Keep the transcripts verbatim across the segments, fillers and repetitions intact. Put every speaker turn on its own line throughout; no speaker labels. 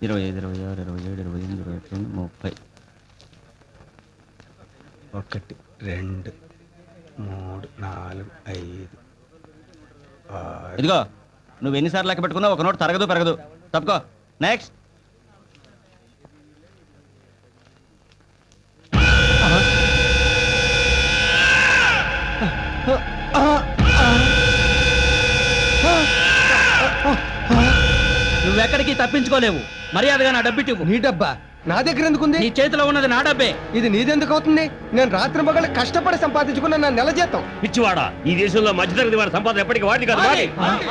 ఇరవై ఐదు ఇరవై ఆరు ఇరవై ఏడు ఇరవై ఎనిమిది ఇరవై తొమ్మిది ముప్పై.
ఒకటి రెండు మూడు నాలుగు ఐదు ఆరు.
ఇదిగో నువ్వు ఎన్నిసార్లు లెక్క పెట్టుకున్నా ఒక నోట్ తరగదు పెరగదు. తప్పుకో. నెక్స్ట్. నువ్వెక్కడికి తప్పించుకోలేవు. మర్యాదగా నా డబ్బిట్టు.
నీ డబ్బా నా దగ్గర ఎందుకుంది?
నీ చేతిలో ఉన్నది నా డబ్బే.
ఇది నీదెందుకు అవుతుంది? నేను రాత్రి మగళ్ళు కష్టపడి సంపాదించుకున్న నా నెల జీతం.
పిచ్చివాడా, ఈ దేశంలో మధ్యతరగతి వారి సంపాదన ఎప్పటికీ వాడి కాదు. వాడి.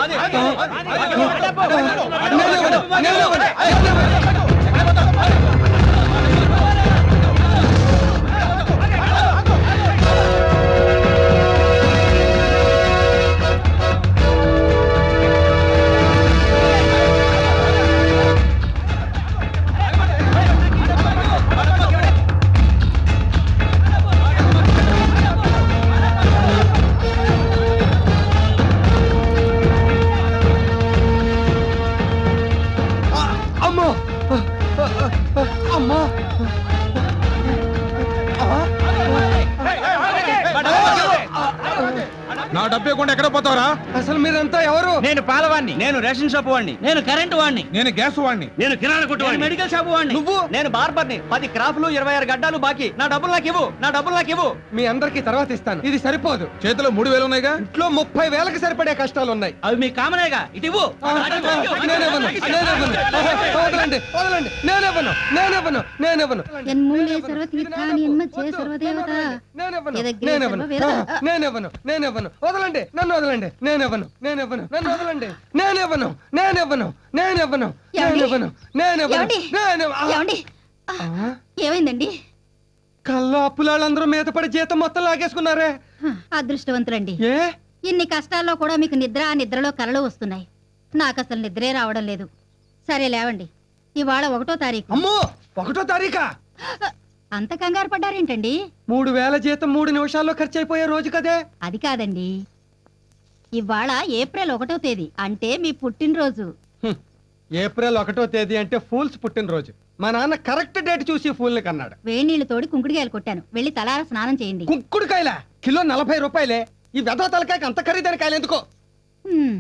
నా డబ్బు ఇవ్వకుండా ఎక్కడ పోతావరా? అసలు మీరంతా ఎవరు?
నేను పాలవాణ్ణి. నేను రేషన్ షాప్ వాడిని. నేను కరెంటు వాడిని.
నేను గ్యాస్ వాడిని.
నేను కిరాణా కొట్టు వాడిని.
మెడికల్ షాప్ వాడిని.
నువ్వు?
నేను బార్బర్ని. పది క్రాఫ్లు ఇరవై ఆరు గడ్డాలు బాకీ. నా డబ్బులు నాకు ఇవ్వు. నా డబ్బులు నాకు ఇవ్వు.
మీ అందరికి తర్వాత ఇస్తాను. ఇది సరిపోదు. చేతిలో మూడు వేలు ఉన్నాయిగా. ఇంట్లో ముప్పై వేలకు సరిపడే కష్టాలు ఉన్నాయి.
అవి మీ కామనేగా. ఇటు ఇవ్వు.
నేనేవను వదలండి వదలండి. నేనేవను నేనేవను నేనేవను
యన్మూలేశ్వర తీర్థాని యన్మధ్యే సర్వదేవత
నేనేవను నేనేవను నేనేవను వదలండి. నన్ను వదలండి. నేనేవను నేనేవను నన్ను వదలండి. నేనేవను నేనేవను నేనేవను నేనేవను నేనేవను
ఏమండి? ఏమైందండి?
కళ్ళు అప్పులాళ్ళందరూ మీద పడి జీతం మొత్తం లాగేసుకున్నారే.
అదృష్టవంతులండి.
ఏ
ఇన్ని కష్టాల్లో కూడా మీకు నిద్ర ఆ నిద్రలో కలలు వస్తున్నాయి. నాకు అసలు నిద్రే రావడం లేదు. సరే లేవండి. ఇవాళ ఒకటో తారీఖు.
అమ్మో, ఒకటో తారీఖా?
అంత కంగారు పడ్డారేంటండి?
మూడు వేల జీతం మూడు నిమిషాల్లో ఖర్చు అయిపోయే రోజు కదే.
అది కాదండి, ఇవాళ ఏప్రిల్ ఒకటో తేదీ, అంటే మీ పుట్టినరోజు.
హ్మ్. ఏప్రిల్ ఒకటో తేదీ అంటే ఫూల్స్ పుట్టినరోజు. మా నాన్న కరెక్ట్ డేట్ చూసి ఫూల్ ని కన్నాడు.
వేడి నీళ్లు తోడి కుంకుడికాయలు కొట్టాను. వెళ్ళి తలార స్నానం చేయండి.
కుంకుడుకాయల కిలో నలభై రూపాయలే. ఈ వెధవ తలకాయకి అంత ఖరీదైన కాయలు ఎందుకో.
హ్మ్.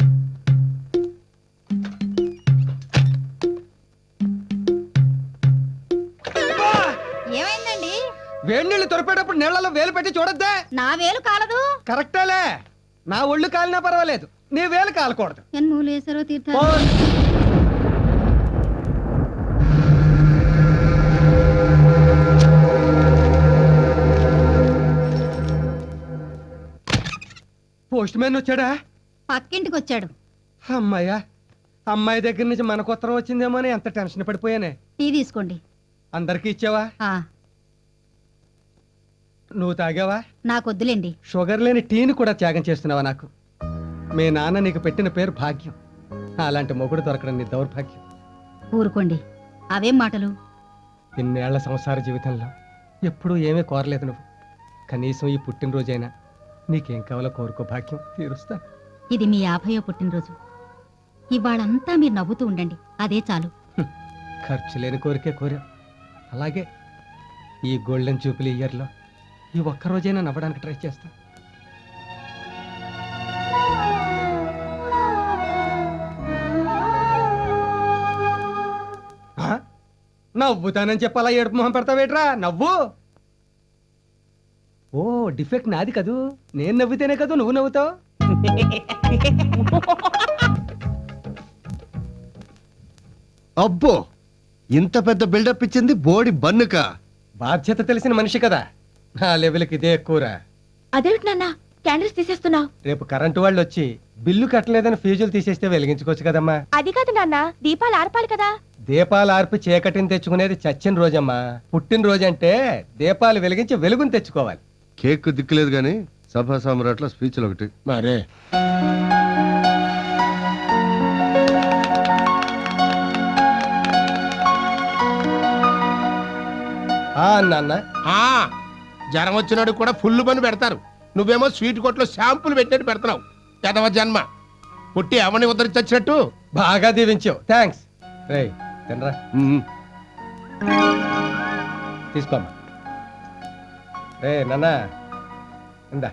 ఏమైందండి?
వేడి నీళ్లు తొరిపేటప్పుడు నీళ్లలో వేలు పెట్టి చూడొద్దే.
నా వేలు కాలదు.
కరెక్టేలే. నా ఒళ్ళు కాలినా పర్వాలేదు, నీ వేలు కాలకూడదు.
యన్మూలేశ్వర తీర్థ
పోస్ట్ మ్యాన్ వచ్చాడా?
పక్కింటికి వచ్చాడు.
అమ్మాయ్యా, అమ్మాయి దగ్గర నుంచి మనకు ఉత్తరం వచ్చిందేమో అని ఎంత టెన్షన్ పడిపోయానే.
టీ తీసుకోండి.
అందరికి ఇచ్చావా?
ఆ
నువ్వు తాగావా?
నాకొద్దులేండి.
షుగర్ లేని టీని కూడా త్యాగం చేస్తున్నావా నాకు? మీ నాన్న నీకు పెట్టిన పేరు భాగ్యం. అలాంటి మొగుడు దొరకడం నీ దౌర్భాగ్యం.
ఊరుకోండి, అవేం మాటలు.
ఇన్నేళ్ల సంసార జీవితంలో ఎప్పుడూ ఏమీ కోరలేదు నువ్వు. కనీసం ఈ పుట్టినరోజైనా నీకేం కావాలో కోరుకో, భాగ్యం తీరుస్తా.
ఇది మీ యాభయో పుట్టినరోజు. ఇవాళంతా మీరు నవ్వుతూ ఉండండి, అదే చాలు.
ఖర్చు లేని కోరికే కోరా. అలాగే ఈ గోల్డెన్ జూపిలీ ఇయర్లో ఈ ఒక్కరోజైనా నవ్వడానికి ట్రై చేస్తా. నవ్వుతానని చెప్పాలా ఏడుపు మొహం పెడతావేట్రా? నవ్వు. ఓ, డిఫెక్ట్ నాది కదూ. నేను నవ్వితేనే కదూ నువ్వు నవ్వుతావు.
అబ్బో, ఇంత పెద్ద బిల్డప్ ఇచ్చింది బోడి బన్నుక.
బాధ్యత తెలిసిన మనిషి కదా, నా లెవెల్కి ఇదే ఎక్కువరా.
అదేమిటి నాన్న క్యాండిల్స్ తీసేస్తున్నావు?
రేపు కరెంటు వాళ్ళు వచ్చి బిల్లు కట్టలేదని ఫీజులు తీసేస్తే వెలిగించుకోవచ్చు కదమ్మా.
అది కాదు నాన్న, దీపాలు ఆర్పాలి కదా.
దీపాలు ఆర్పి చీకటిని తెచ్చుకునేది చచ్చిన రోజమ్మా. పుట్టినరోజు అంటే దీపాలు వెలిగించి వెలుగుని తెచ్చుకోవాలి.
కేక్ దిక్కులేదు గాని సభా సామ్రాట్ల స్పీచ్లు ఒకటి
మరే. నాన్న,
జ్వరం వచ్చినాడు కూడా ఫుల్ పని పెడతారు. నువ్వేమో స్వీట్ కొట్లో షాంపులు పెట్టినట్టు పెడుతున్నావు. ఎదవ జన్మ. పుట్టి అవని ఉద్ధరించి వచ్చినట్టు.
బాగా దీవించావు, థ్యాంక్స్. రేయ్, తినరా
మ్మ్.
తీసుకోమ్మా. రే నాన్న ఇందా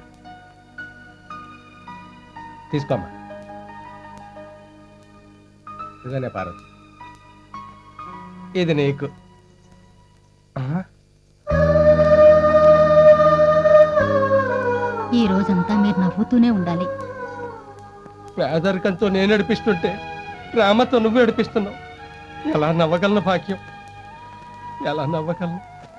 తీసుకోమ్మా. ఇదనే పార్వతి, ఇది నీకు. ఆహా.
ఈ రోజంతా మీరు నవ్వుతూనే ఉండాలి.
పేదరికంతో నేను నడిపిస్తుంటే ప్రేమతో నువ్వు నడిపిస్తున్నావు. ఎలా నవ్వగలను భాగ్యం, ఎలా నవ్వగలను?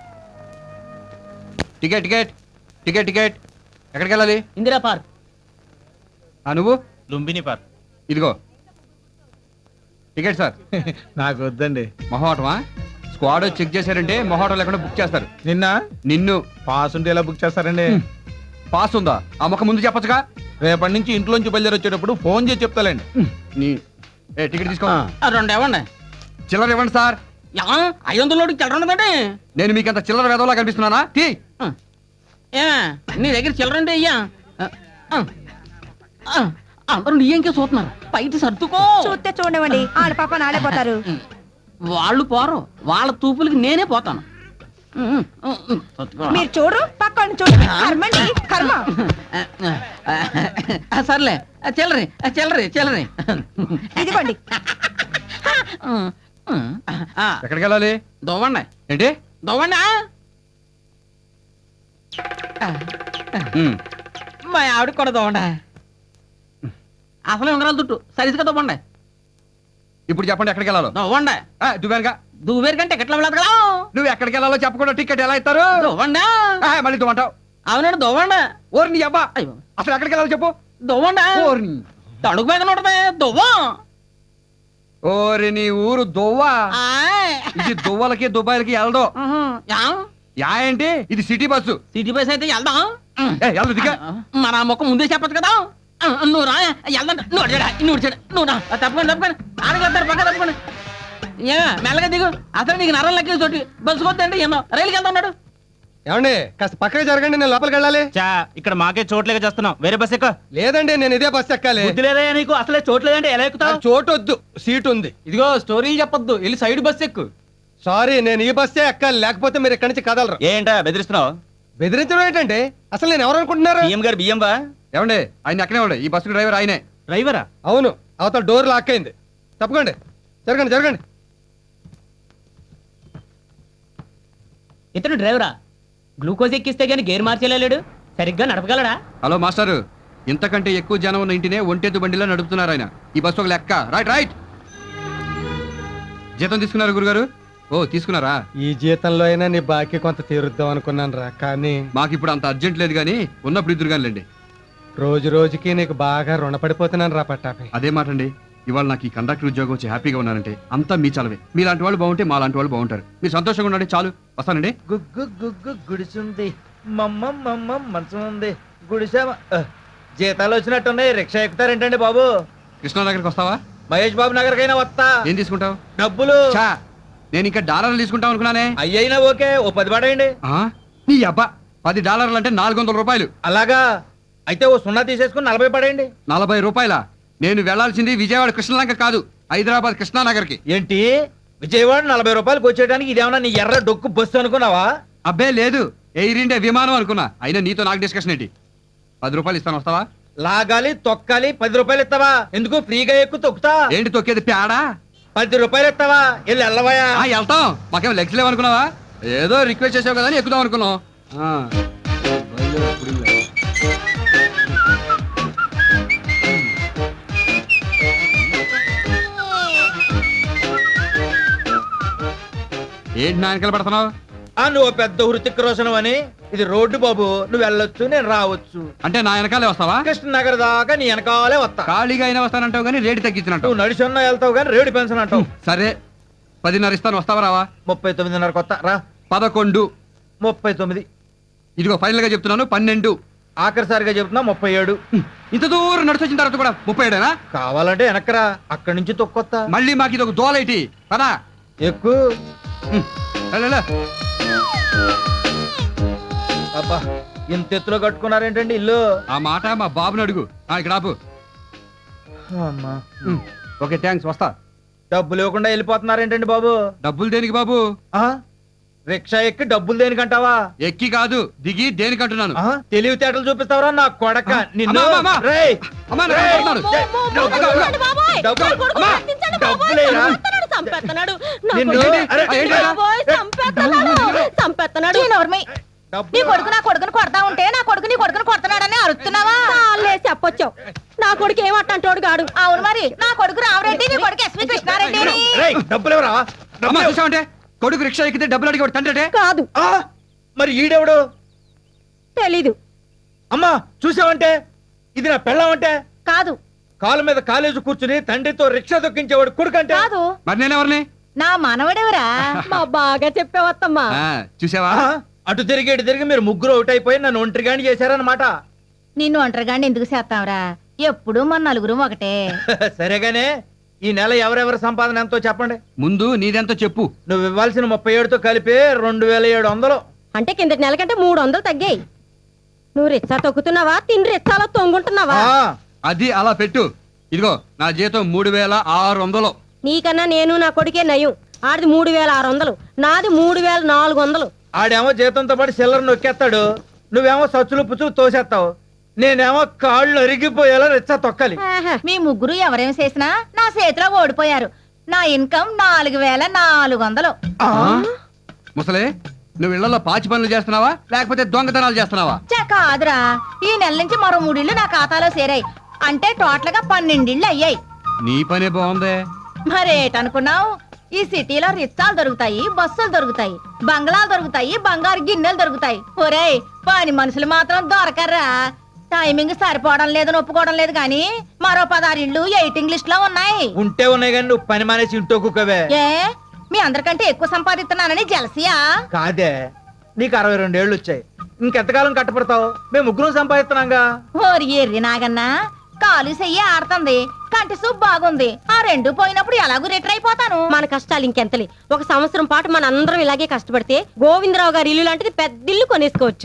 టికెట్ టికెట్ టికెట్ టికెట్ ఎక్కడికి వెళ్ళాలి?
ఇందిరా పార్క్.
ఆ నువ్వు
లుంబిని పార్క్.
ఇదిగో టికెట్ సార్.
నాకు వద్దండి.
మొహోటమా? స్క్వాడ్ చెక్ చేశారంటే మొహోటం లేకుండా బుక్ చేస్తారు.
నిన్న
నిన్ను
పాస్ ఉంటే ఎలా బుక్ చేస్తారండి?
పాస్ ఉందా? ఆ మొక్క ముందు చెప్పొచ్చుగా.
రేపటి నుంచి ఇంట్లోంచి బయలుదేరి వచ్చేటప్పుడు ఫోన్ చేసి చెప్తాలండి.
నీ ఏ టికెట్ తీసుకో.
రెండు ఇవ్వండి.
చిల్లర ఇవ్వండి సార్.
ఐదు వందల చిల్లర ఉన్నదండి.
నేను మీకు అంత చిల్లర వేదవలా కనిపిస్తున్నానా? తీ.
ఏ నీ దగ్గర చిల్లర అంటే అయ్యా అందరూ నీ ఇంకే చూస్తున్నారు. పైకి సర్దుకో.
చూస్తే చూడవండి, వాళ్ళ పాప నాడే పోతారు.
వాళ్ళు పోరు, వాళ్ళ తూపులకి నేనే పోతాను.
మీరు చూడు, పక్కన చూడు. కర్మండి, కర్మ.
సర్లే చిల్లరి చిల్లరి చిల్లరి
ఇదిగోండి.
ఎక్కడికి వెళ్ళాలి?
దొవ్వండి
ఏంటి?
దొవ్వండి.
ఉమ్.
మా ఆవిడకి కూడా దొవ్వండి. అసలే ఉంగరాలు తుట్టు సరిగ్గా దొవ్వండి.
ఇప్పుడు చెప్పండి ఎక్కడికి వెళ్ళాలో.
దొవ్వండి.
దువ్వానుగా.
దువ్వేరు కంటే ఎట్లా వెళ్ళదు కదా.
నువ్వు ఎక్కడికి వెళ్ళాలో చెప్పకుండా టికెట్ ఎలా ఇస్తారు?
దొవ్వండి.
ఆ, మళ్ళీ దువ్వంటావు.
అవునండి దొవ్వండి.
ఓరి నీ అబ్బా,
అయ్యో
అసలు ఎక్కడికి వెళ్ళాలో చెప్పు.
దొవ్వండి.
ఓరి నీ-
తడుగు మీద ఉంటది దువ్వం.
ఓరి నీ ఊరు దువ్వా.
ఆయ్.
ఇది దువ్వలకి దుబాయ్లకి వెళ్ళదు.
ఉహు. యా?
యా ఏంటి? ఇది సిటీ బస్సు.
సిటీ బస్ అయితే వెళ్దాం.
ఏ, వెళ్దు దిగా.
మన మొక్క ముందే చెప్పచ్చు కదా. ఆ, నువ్వు రా వెళ్దాం. నువ్వు చెడ నువ్వు చెడ నువ్వు రా తప్పకుండా తప్పకుండా ఆడగలుగుతారు పక్క తప్పకుండా. ఏ మెల్లగా దిగు. అసలు నీకు నరం లెక్కే చోటి బస్సు కొద్దండి ఎన్నో రైలుకి వెళ్తా ఉన్నాడు.
ఏమండి కాస్త పక్కకి జరగండి, నేను లోపలికి వెళ్ళాలి.
చా ఇక్కడ మాకే చోట్లేక చేస్తున్నావు. వేరే బస్ ఎక్క.
లేదండి, నేను ఇదే బస్సు ఎక్కాలి.
బుద్ధి లేదా నీకు? అసలే చోట్లేదంటే ఎలా ఎక్కుతావు?
నాకు చోటు వద్దు, సీట్ ఉంది.
ఇదిగో స్టోరీలు చెప్పొద్దు, వెళ్ళి సైడ్ బస్ ఎక్కు.
సారీ, నేను ఈ బస్సే ఎక్కాలి, లేకపోతే మీరు ఇక్కడి నుంచి కదలరు.
ఏంటా బెదిరిస్తున్నావు?
బెదిరించడం ఏంటంటే అసలు నేను ఎవరు అనుకుంటున్నారు?
బియ్యం గారు బియ్యం బా.
ఏమండి ఆయన ఎక్కడే ఉండే, ఈ బస్సు డ్రైవర్ ఆయనే.
డ్రైవరా?
అవును, అవతల డోర్ లాక్ అయింది. తప్పకండి, జరగండి జరగండి.
ఇతను డ్రైవరా? గ్లూకోజ్ ఎక్కిస్తే గానీ గేర్ మార్చేలేడు, సరిగ్గా నడపగలడా?
హలో మాస్టారు, ఇంతకంటే ఎక్కువ జనం ఉన్న ఇంటినే ఒంటెద్దు బండిలో నడుపుతున్నారు ఆయన. ఈ బస్సు ఒక లెక్క. Right right. జీతం తీసుకున్నారు గురుగారు? ఓ తీసుకున్నారా?
ఈ జీతంలో అయినా నీ బాకీ కొంత తీరుద్దాం అనుకున్నాను రా, కానీ
మాకు ఇప్పుడు అంత అర్జెంట్ లేదు కానీ ఉన్నప్పుడు ఇద్దరు కానిలేండి.
రోజు రోజుకి నీకు బాగా రుణపడిపోతున్నాను రా పట్టాపై.
అదే మాట అండి. ఇవాళ నాకు ఈ కండక్టర్ ఉద్యోగం వచ్చి హ్యాపీగా ఉన్నానంటే అంతా మీ చలవే. మీలాంటి వాళ్ళు బాగుంటే మా లాంటి వాళ్ళు బాగుంటారు. మీరు సంతోషంగా ఉండండి చాలు. వస్తానండి.
గుగ్గు గుగ్గు గుడిసుంది, మమ్మ మమ్మ మంచం ఉంది, గుడిసా జీతాలు వచ్చినట్టున్నాయి. రిక్షా ఎక్కుతారేంటండి బాబు?
కృష్ణా దగ్గరికి వస్తావా?
మహేష్ బాబు నగర్కైనా వస్తా.
ఏం తీసుకుంటావు?
డబ్బులు.
చా, నేను ఇంకా డాలర్లు తీసుకుంటాం అనుకున్నానే.
అయ్యైనా ఓకే, ఓ పది పడేయండి.
ఆ? నీ అబ్బా, పది డాలర్లు అంటే నాలుగు వందల రూపాయలు.
అలాగా అయితే ఓ సున్నా తీసేసుకుని నలభై పడేయండి.
నలభై రూపాయల? నేను వెళ్లాల్సింది విజయవాడ కృష్ణలంక కాదు, హైదరాబాద్ కృష్ణానగర్కి.
ఏంటి విజయవాడ నలభై రూపాయలకు వచ్చేయడానికి ఇదేమన్నా నీ ఎర్ర డొక్కు బస్సు అనుకున్నావా?
అబ్బే లేదు, ఎయిర్ ఇండియా విమానం అనుకున్నా. అయినా నీతో నాకు డిస్కషన్ ఏంటి? పది రూపాయలు ఇస్తాను, వస్తావా?
లాగాలి తొక్కాలి, పది రూపాయలు ఇస్తావా? ఎందుకు ఫ్రీగా ఎక్కువ తొక్కుతా?
ఏంటి తొక్కేది పేడా?
పది రూపాయలు ఇస్తావా? వెళ్ళి వెళ్ళవయా.
ఆ, వెళ్తాం. మాకేం లెగ్స్ లేవనుకున్నావా? ఏదో రిక్వెస్ట్ చేసావు కదా అని ఎక్కుదాం అనుకున్నాం. ఆ. ఏంటి నాయనకలు పడుతున్నావు?
ఆ నువ్వు పెద్ద హృతిక్ రోషన్ అని. ఇది రోడ్డు బాబు, నువ్వు వెళ్ళొచ్చు నేను రావచ్చు.
అంటే నా వెనకాలే వస్తావా?
కృష్ణనగర్ దాకా నీ వెనకాలే వస్తా.
ఖాళీగా అయినా వస్తానంటావు కానీ రేటు తగ్గించినట్టు.
నువ్వు నడిచున్నా వెళ్తావు కానీ రేడు పెన్షన్ అంటావు.
సరే, పదిన్నర ఇస్తాను, వస్తావా రావా?
ముప్పై తొమ్మిదిన్నర కొత్త రా.
పదకొండు.
ముప్పై తొమ్మిది.
ఇదిగో ఫైనల్ గా చెప్తున్నాను, పన్నెండు.
ఆఖరిసారిగా చెప్తున్నా ముప్పై ఏడు.
ఇంత దూరం నడిచి వచ్చిన తర్వాత కూడా ముప్పై ఏడేనా?
కావాలంటే వెనకరా, అక్కడి నుంచి తొక్కొత్తా.
మళ్ళీ మాకు ఇది ఒక దోలైటి పదా.
ఎక్కువ అబ్బా, ఇంత ఎత్తులో కట్టుకున్నారేంటండి ఇల్లు?
ఆ మాట మా బాబుని అడుగు. ఆ, ఇక్కడ ఆపు.
అమ్మా.
ఓకే థ్యాంక్స్, వస్తా.
డబ్బులు ఇవ్వకుండా వెళ్ళిపోతున్నారేంటండి బాబు?
డబ్బులు దేనికి బాబు?
ఆ రిక్షా ఎక్కి డబ్బులు దేనికంటావా?
ఎక్కి కాదు దిగి దేనికంటున్నాను.
ఆ, తెలివితేటలు చూపిస్తావరా నా కొడక నిన్ను.
అమ్మా, అమ్మా, అమ్మా.
రేయ్,
అమ్మా, నన్ను
రేయ్,
కొడుతున్నాడు.
డబ్బులు- డబ్బులు- అమ్మా, డబ్బులేరా? నిన్ను- అరే,
ఆ, ఏంటి అలా?
చంపేస్తున్నాడు
డబ్బులు-
నీ కొడుకు నా కొడుకుని కొడతా ఉంటే నా కొడుకు నీ కొడుకుని కొడుతున్నాడని అరుస్తున్నావా? చాలే చెప్పొచ్చావు. నా కొడుకు ఏమంటాడు గాడు? అవును మరి, నా కొడుకు రామరెడ్డి, నీ కొడుకు ఎస్వి కృష్ణారెడ్డి.
రేయ్, డబ్బులు ఎవరా?
అమ్మా చూసావంటే కొడుకు రిక్షా ఎక్కితే డబ్బులు అడిగి తండ్రి
కాదు,
ఆ, మరి ఈడెవడు?
తెలీదు.
అమ్మా చూసావంటే ఇది నా పెళ్ళామంటే?
కాదు
కాలు మీద కాలేజీ కూర్చుని తండ్రితో రిక్షా దొక్కించేవాడు కొడుకంటే?
కాదు,
మరి నేనెవరిని?
నా మనవడెవరా? మా బాగా చెప్పేవత్తమ్మా.
ఆ, చూసావా?
ఆ, అటు తిరిగి ఇటు తిరిగి మీరు ముగ్గురు అవుట్ అయిపోయి నన్ను ఒంటరిగాని చేశారన్నమాట.
నిన్ను ఒంటరిగాని ఎందుకు చేస్తావురా? ఎప్పుడు మన నలుగురు ఒకటే.
సరేగానే ఈ నెల ఎవరెవరి సంపాదన ఎంతో చెప్పండి.
ముందు నీదెంతో చెప్పు.
నువ్వు ఇవ్వాల్సిన ముప్పై ఏడుతో కలిపి రెండు వేల ఏడు వందలు.
అంటే కిందటి నెల కంటే మూడు వందలు తగ్గాయి. నువ్వు రిచ్చా తొక్కుతున్నావా, తిని రిచ్చాలో తొంగుంటున్నావా?
ఆ,
అది అలా పెట్టు. ఇదిగో నా జీతం మూడు వేల ఆరు వందలు.
నీకన్నా నేను నా కొడుకే నయం. ఆడిది మూడు వేల ఆరు వందలు, నాది మూడు వేల నాలుగు వందలు.
ఆడేమో జీతంతో పాటు సిల్లర్ నొక్కేస్తాడు, నువ్వేమో సచ్చులు పుచ్చులు తోసేస్తావు. నేనేమో కాళ్ళు అరిగిపోయేలా రిచ్చా తొక్కాలి.
మీ ముగ్గురు ఎవరేం చేసినా నా చేతిలో ఓడిపోయారు. నా ఇన్కమ్ నాలుగు వేల నాలుగు వందలు.
ఆ,
ముసలే నువ్వు ఇళ్లలో పాచి పనులు చేస్తున్నావా లేకపోతే దొంగతనాలు చేస్తున్నావా?
చా కాదురా, ఈ నెల నుంచి మరో మూడిళ్ళు నా ఖాతాలో చేరాయి. అంటే టోటల్ గా పన్నెండిళ్ళు అయ్యాయి.
నీ పనే బాగుందే.
మరేటనుకున్నావు? ఈ సిటీలో రిచ్చాలు దొరుకుతాయి, బస్సులు దొరుకుతాయి, బంగ్లాలు దొరుకుతాయి, బంగారు గిన్నెలు దొరుకుతాయి. ఒరేయ్, పని మనుషులు మాత్రం దొరకర్రా. టైమింగ్ సరిపోవడం లేదని ఒప్పుకోవడం లేదు కానీ మరో పదహారు ఇళ్ళు ఎయిటింగ్ లిస్ట్ లో ఉన్నాయి.
ఉంటే ఉన్నాయి కానీ నువ్వు పని మానేసి ఇంటో కుక్కవే.
ఏ మీ అందరికంటే ఎక్కువ సంపాదిస్తున్నానని జలసియా?
కాదే, నీకు అరవై రెండేళ్లు వచ్చాయి, ఇంకెంతకాలం కట్టపడతావు? మేము ముగ్గురం సంపాదిస్తున్నాగా.
ఓరి ఎర్రి నాగన్నా, కాలు చెయ్యి ఆడుతుంది, కంటి సూప్ బాగుంది. ఆ రెండు పోయినప్పుడు ఎలాగూ రిటర్ అయిపోతాను. మన కష్టాలు ఇంకెంతలే. ఒక సంవత్సరం పాటు మన అందరం ఇలాగే కష్టపడితే గోవిందరావు గారి ఇల్లు లాంటిది పెద్ద ఇల్లు కొనేసుకోవచ్చు.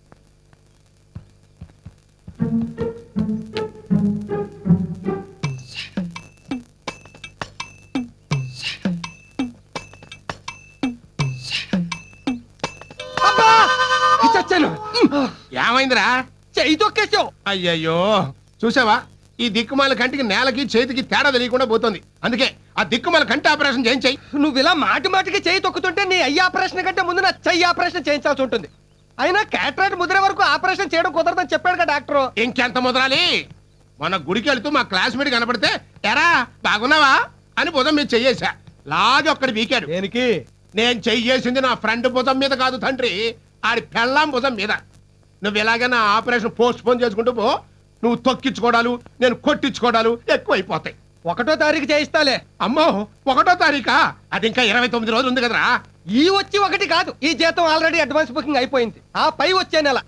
చచ్చాను.
ఏమైందిరా?
చెయ్యి తొక్కేసావు.
అయ్యయ్యో, చూసావా ఈ దిక్కుమాల కంటికి నేలకి చేతికి తేడా తెలియకుండా పోతుంది. అందుకే ఆ దిక్కుమాల కంటి ఆపరేషన్ చేయించాయి.
నువ్వు ఇలా మాటి మాటికి చేయి తొక్కుతుంటే నీ అయ్యి ఆపరేషన్ కంటే ముందు నా చెయ్యి ఆపరేషన్ చేయించాల్సి ఉంటుంది. అయినా క్యాటరాక్ట్ ముద్ర వరకు ఆపరేషన్ చేయడం కుదరదని చెప్పాడు కదా డాక్టర్.
ఇంకెంత ముదరాలి? మన గుడికి వెళ్తూ మా క్లాస్మేట్ కనపడితే ఎరా బాగున్నావా అని భుజం మీద చెయ్యేశా. లాగి ఒక్కడి వీకాడు.
దేనికి?
నేను చెయ్యేసింది నా ఫ్రెండ్ భుజం మీద కాదు తండ్రి, ఆడి పెళ్ళాం భుజం మీద. నువ్వు ఎలాగైనా ఆపరేషన్ పోస్ట్ పోన్ చేసుకుంటూ పో. నువ్వు తొక్కించుకోవడాలు నేను కొట్టించుకోవడాలు ఎక్కువైపోతాయి.
ఒకటో తారీఖు చేయిస్తాలే.
అమ్మో, ఒకటో తారీఖా? అది ఇంకా ఇరవై తొమ్మిది రోజులు ఉంది కదరా.
ఈ వచ్చి ఒకటి కాదు, ఈ జీతం ఆల్రెడీ అడ్వాన్స్ బుకింగ్ అయిపోయింది. ఆ పై వచ్చే నెల.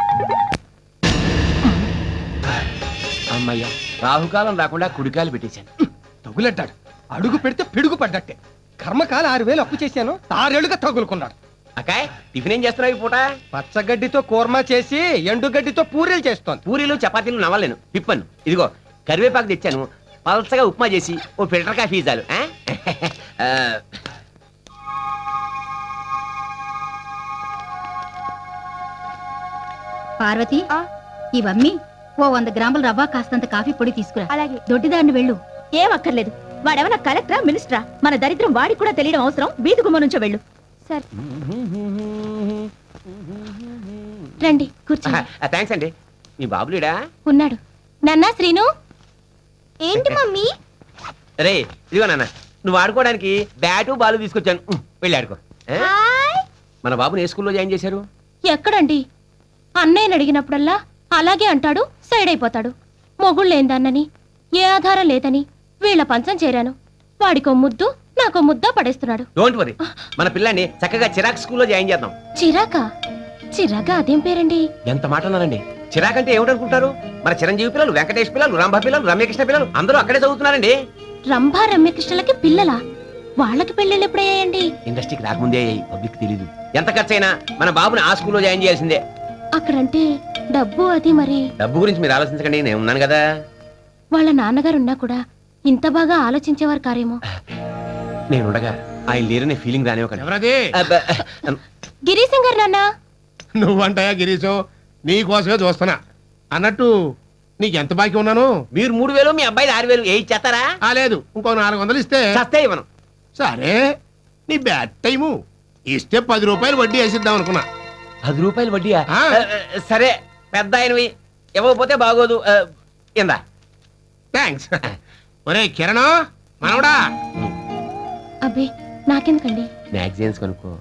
అమ్మయ్యా, రాహుకాలం రాకుండా కుడికాయలు పెట్టేశాను.
తగులడ్డాడు. అడుగు పెడితే పిడుగు పడ్డట్టే. కర్మకాల ఆరు వేలు అప్పు చేశాను, ఆరేళ్లుగా తగులుకున్నాడు.
అకాయ్, టిఫిన్ ఏం చేస్తున్నావు ఈ పూట?
పచ్చగడ్డితో కూర్మా చేసి ఎండుగడ్డితో పూరీలు చేస్తోంది.
పూరీలు చపాతీలు నవ్వలేను, తిప్పను. ఇదిగో కరివేపాకు తెచ్చాను, పలసగా ఉప్మా చేసి ఓ ఫిల్టర్ కాఫీ చాలు. ఆ? ఆ,
పార్వతి, ఇవమ్మి ఓ వంద గ్రాముల రవ్వ కాస్తంత కాఫీ పొడి తీసుకురా. అలాగే. దొడ్డిదారిని వెళ్ళు.
ఏం అక్కర్లేదు. వాడేమన్నా కలెక్టరా, మినిస్టరా? మన దరిద్రం వాడికి కూడా తెలియడం అవసరం. వీధి గుమ్మ నుంచో వెళ్ళు.
సరే రండి కూర్చోండి.
ఆ, థాంక్స్ అండి. మీ బాబులేడా?
ఉన్నాడు. నాన్నా శ్రీను. ఏంటి మమ్మీ?
రే ఇదిగో నాన్న, నువ్వు ఆడుకోవడానికి బ్యాటు బాలు తీసుకొచ్చాను, ఉమ్, వెళ్ళి ఆడుకో. ఆ? మన బాబుని ఏ స్కూల్లో జాయిన్ చేశారు?
ఎక్కడండి? అన్నయ్యని అడిగినప్పుడల్లా అలాగే అంటాడు, సైడ్ అయిపోతాడు. మొగుళ్ళేందన్నని, ఏ ఆధారం లేదని వీళ్ళ పంచం చేరాను. వాడికో ముద్దు, నాకో ముద్ద పడేస్తున్నాడు.
డోంట్ వరీ, మన పిల్లాన్ని చక్కగా చిరాక్ స్కూల్లో జాయిన్ చేద్దాం.
చిరాకా? చిరాకా అదేం పేరండి?
ఎంత మాట అన్నారండి. చిరాక్ అంటే ఏమిటనుకుంటారు? మన చిరంజీవి పిల్లలు, వెంకటేష్ పిల్లలు, రంభ పిల్లలు, రమ్యకృష్ణ పిల్లలు అందరూ అక్కడే చదువుతున్నారండి.
రంభా రమ్యకృష్ణలకి పిల్లలా? వాళ్ళకి పెళ్ళిళ్ళు ఎప్పుడయ్యాయండి?
ఇండస్ట్రీకి రాకముందే పబ్లిక్ తెలీదు. ఎంత ఖర్చైనా మన బాబుని ఆ స్కూల్లో జాయిన్ చేయాల్సిందే.
అక్కడంటే డబ్బు అది మరి.
డబ్బు గురించి మీరు ఆలోచించకండి, నేను ఉన్నాను కదా.
వాళ్ళ నాన్నగారు ఉన్నా కూడా ఇంత బాగా ఆలోచించేవారు కారేమో.
నేను ఉండగా ఆయన లేరనే ఫీలింగ్ రానివ్వకండి.
ఎవరది?
అబ్బా,
గిరీశం గారు నాన్న.
నువ్వంటాయా గిరీశం, నీ కోసమే చూస్తున్నా. అన్నట్టు నీకెంత బాకీ ఉన్నాను?
మీరు మూడు వేలు మీ అబ్బాయి ఆరు వేలు ఏ ఇచ్చేస్తారా?
ఆ లేదు, ఇంకో నాలుగు వందలు ఇస్తే
చస్తే ఇవ్వను.
సరే, నీ బ్యాడ్ టైము. ఇస్తే పది రూపాయలు వడ్డీ వేసిద్దాం అనుకున్నా.
పది రూపాయలు వడ్డీయా?
ఆ.
ఆ, సరే పెద్ద ఆయనవి ఇవ్వకపోతే బాగోదు. ఆ, ఇందా.
థ్యాంక్స్. ఒరే కిరణ్ మనవడా,
అబ్బే నాకెందుకండి?
మ్యాగజైన్స్ కొనుక్కో.